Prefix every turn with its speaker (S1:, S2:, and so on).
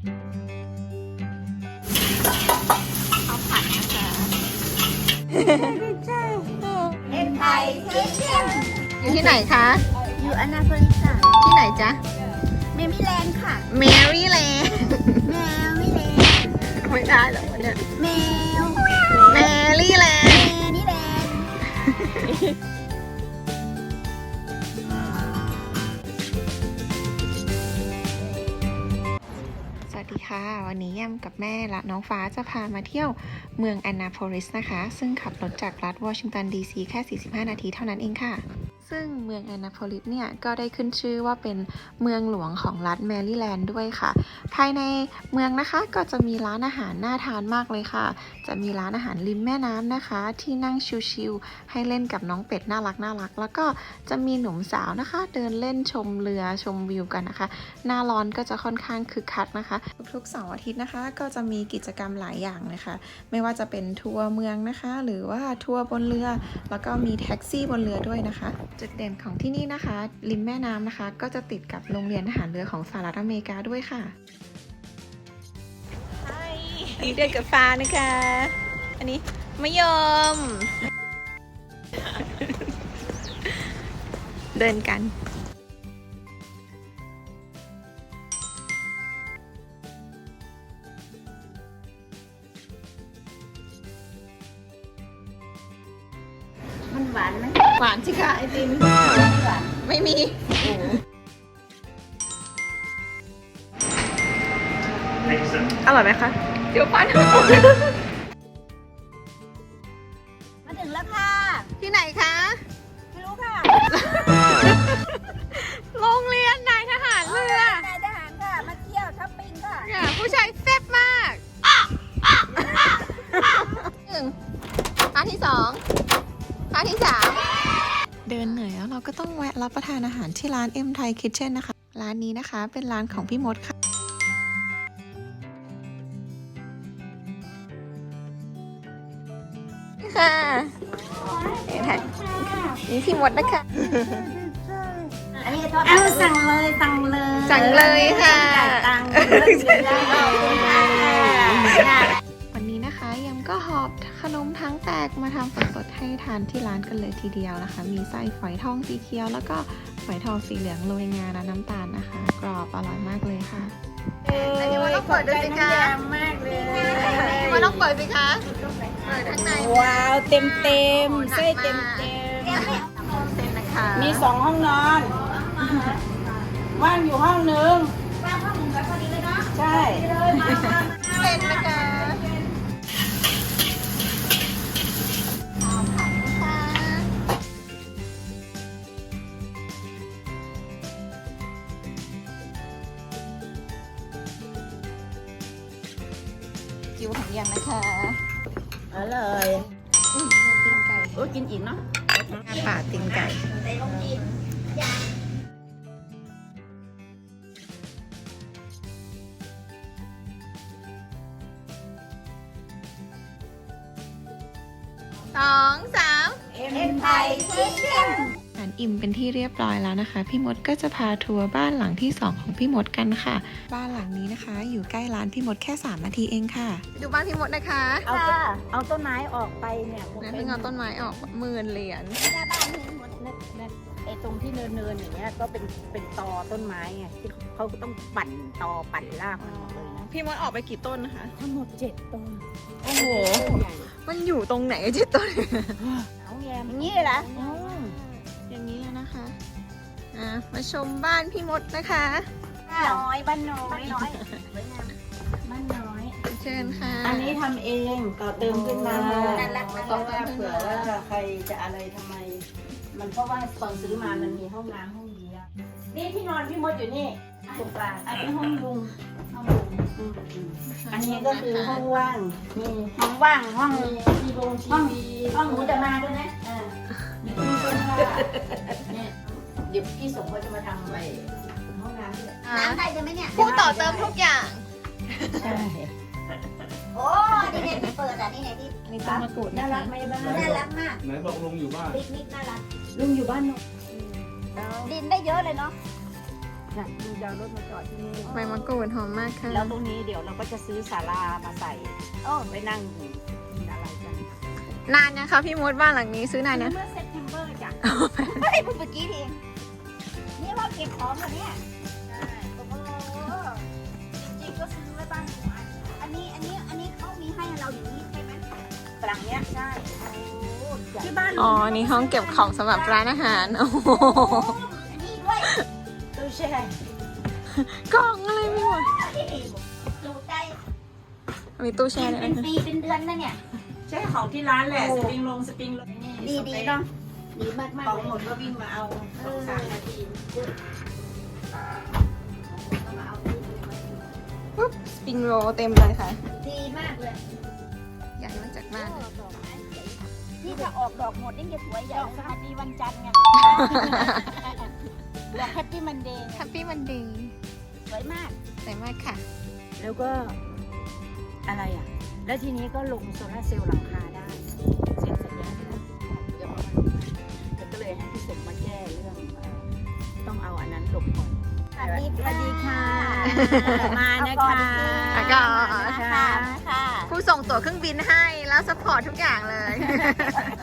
S1: ข้าวผัดนะคะ
S2: เอ็นไทยคิทเช่น
S1: อยู่ที่ไหนคะ
S2: อยู่อนาโพลิสค่ะ
S1: ที่ไหนจ๊ะ
S2: เมมิแลนด์ค่ะ
S1: แมรี่แลนด์
S2: แมวมิแลนด์
S1: ไม่ได้หรอกวันเนี่ย
S2: แมว
S1: แมรี่แลนด์
S2: แมนี่แลนด์
S1: สวัสดีค่ะ วันนี้แยมกับแม่และน้องฟ้าจะพามาเที่ยวเมืองแอนนาโพลิสนะคะ ซึ่งขับรถจากรัฐวอชิงตันดีซีแค่ 45 นาทีเท่านั้นเองค่ะ ซึ่งเมืองแอนนาโพลิสเนี่ยก็ได้ขึ้นชื่อว่าเป็นเมืองหลวงของรัฐแมริแลนด์ด้วยค่ะ ภายในเมืองนะคะก็จะมีร้านอาหารน่าทานมากเลยค่ะ จะมีร้านอาหารริมแม่น้ำนะคะ ที่นั่งชิลๆให้เล่นกับน้องเป็ดน่ารักแล้วก็จะมีหนุ่มสาวนะคะ เดินเล่นชมเรือชมวิวกันนะคะ หน้าร้อนก็จะค่อนข้างคึกคักนะคะ ทุกๆเสาร์อาทิตย์นะคะ ก็จะมีกิจกรรมหลายอย่างเลยค่ะ ไม่ว่าจะเป็นทัวร์เมืองนะคะ หรือว่าทัวร์บนเรือ แล้วก็มีแท็กซี่บนเรือด้วยนะคะจุดเด่นของที่นี่นะคะ ริมแม่น้ำนะคะ ก็จะติดกับโรงเรียนทหารเรือของสหรัฐอเมริกาด้วยค่ะใช่เดินกับฟ้านะคะ อันนี้มะยม เดินกัน
S2: มันหวานไหม
S1: หวานสิคะไอติม
S2: หวาน
S1: ไม่มี อร่อยไหมคะ เดี๋ยวปั้น
S2: มาถึงแล้วค่ะ
S1: ที่ไหนคะ
S2: ไม่รู้ค่ะ
S1: โรงเรียนนายทหารเรือน
S2: ายทหารค่ะ มาเที่ยวช้อปปิ้งค่ะ
S1: เนี่ยผู้ชายแซ่บมากหนึ่งร้านที่สองร้านที่สามเดินเหนื่อยแล้วเราก็ต้องแวะรับประทานอาหารที่ร้าน M Thai Kitchen นะคะ ร้านนี้นะคะเป็นร้านของพี่มดค่ะค่ะนี่พี่มดนะคะ
S2: อันนี้เอาสั่งเลยสั่งเลย
S1: สั่งเลยค่ะ
S2: จ่ายตังค์เลยได้เลย
S1: วันนี้นะคะยำก็หอบขนมทั้งแตกมาทำสดๆให้ทานที่ร้านกันเลยทีเดียวนะคะ มีไส้ฝอยทองสีเขียวแล้วก็ฝอยทองสีเหลืองโรยงาและน้ำตาลนะคะ กรอบอร่อยมากเลยค่ะพี่ว่าต้องเปิดด้วยสิคะ
S2: มากเลย
S1: พี่ว่าต้องเปิดสิคะเปิดข้างใน
S3: ว้าวเต็มเต็มไส้เต็มเต็ม
S1: เต็มนะคะ
S3: มี2 ห้องนอน ว่างอยู่ห้องนึง
S2: ว่างห้องหนึ่งแบบพอดีเลยเนาะ
S3: ใช่
S1: เต็มนะคะข้าวผัดนะคะคิวของยังนะคะ
S3: อร่อย
S1: ตีนไก่
S3: โอ้กินอีกเนาะ
S1: หน้าป่าตีนไก่ สองสาม
S2: เอ็นไทยคิทเช่น
S1: อาหารอิ่มเป็นที่เรียบร้อยแล้วนะคะ พี่มดก็จะพาทัวร์บ้านหลังที่ 2 ของพี่มดกันค่ะ บ้านหลังนี้นะคะ อยู่ใกล้ร้านพี่มดแค่3 นาทีเองค่ะดูบ้านพี่มดนะคะ
S3: เอาต้นไม้ออกไปเนี่ย
S1: นั่นเพิ่งเอาต้นไม้ออก10,000 เหรียญ
S2: หน้าบ้านนี่หมด
S3: นั่นไอ้ตรงที่เนินอย่างเงี้ยก็เป็นตอต้นไม้ไงที่เขาต้องปั่นตอปั่นรากมันหมดเลยนะ
S1: พี่มดออกไปกี่ต้นนะคะ
S3: ทั้งหมด7 ต้น
S1: โอ้โห
S3: ต้นใหญ่
S1: มันอยู่ตรงไหน7 ต้น
S3: เอาแยม
S2: อย่างนี้เลยเหรอ
S3: อืม
S1: อย่างนี้เลยนะคะมาชมบ้านพี่มดนะคะ
S3: น้อยบ้านน้อยน้อยบ้านน้อย
S1: เชิญค่ะ
S3: อันนี้ทำเองต่อเติมขึ้นมา
S2: น่ารัก
S3: เพราะว่าเผื่อว่าใครจะอะไรทำไม มันเพราะว่าตอนซื้อมามันมีห้องน้ำห้องเดียวนี่ที่นอนพี่มดอยู่นี่ตรงกลางอันนี้ห้องลุงห้องลุงอันนี้ก็คือห้องว่างมี
S2: ห้องว่างห้อง
S3: มีทีวงทีวี
S2: ห้องหนูจะมาด้วยนะ
S3: มีตู้เสื้อผ้าเนี่ยเดี๋ยวพี่สมก็จะมาทำไปห้องน้ำด้วย
S2: น้ำได้ใช่ไหมเนี่ย
S1: ผู้ต่อเติมทุกอย่าง
S3: ใช่
S2: โอ้นี่เนี่ยที่เปิดอ่ะนี่เนี่ยที่
S1: อันนี้ต้นมะกรูด
S3: น่า
S1: นะ
S3: รั
S1: คะ
S3: กไหมบ้าน
S2: น่ารักมาก
S4: ไหนบอกลุงอยู่บ้าน
S2: ปิกนิกน่ารัก
S3: ลุงอยู่บ้านนก
S2: ดินได้เยอะเลยเนาะ
S3: ลุงจะเอารถมาจอดที่นี่
S1: ใบมะกรูดหอมมากค่ะ
S3: แล้วตรงนี้เดี๋ยวเราก็จะซื้อศาลามาใส่ไปนั่งกินอะไรกัน
S1: นานยังคะพี่มดบ้านหลังนี้ซื้อนานยัง
S3: เมื่อเซปเทมเบอร์จ้ะเฮ้ยเมื่อกี้เองนี่เราเก็บของเหรอเนี่ยใช่โอ้โหจริงๆก็ซื้อไว้บ้านหัวอันนี้เขามีให้เราอย่างนี้ใช่ไหมหลังเนี้ยใช่ที่บ้าน
S1: อ๋อ นี่ห้องเก็บของสำหรับร้านอาหาร โอ้โห
S3: อันนี้ด้วยตู้แช่
S1: กล่องอะไรไม่หมด
S3: ดูใจ
S1: มีตู้แช่ด้วย
S3: เป็น
S1: นะคะ
S3: ปีเป็นเดือนนะเนี่ย
S2: ใช่ของที่ร้านแหละ สปริงลง
S3: ดีเนาะดีมากๆ
S2: ของ
S3: เลย
S2: หมดก็วิ่งมาเอา2-3 นาที
S1: ปุ๊บสปริงโรลเต็มเลยค่ะ
S3: ดีมากเลย
S1: ใหญ่มาจากบ้าน
S3: ดอกไม้ที่ถ้าออกดอกหมดนี่จะสวยใหญ่สวัสดีวันจันทร์ไงดอกแฮปปี้มันเดย์
S1: แฮปปี้วันเดย์
S3: สวยมาก
S1: สวยมากค่ะ
S3: แล้วก็อะไรอ่ะ แล้วทีนี้ก็ลงโซลาร์เซลล์หลังคาได้เสร็จแล้วเดี๋ยวก็เลยให้พี่สมมาแก้เรื่องต้องเอาอันนั้นหลบก่อนสวัสดีค่ะ มานะคะ
S1: แล้วก็
S3: ค่ะ
S1: ผู้ส่งตั๋วเครื่องบินให้แล้วสปอร์ตทุกอย่างเลย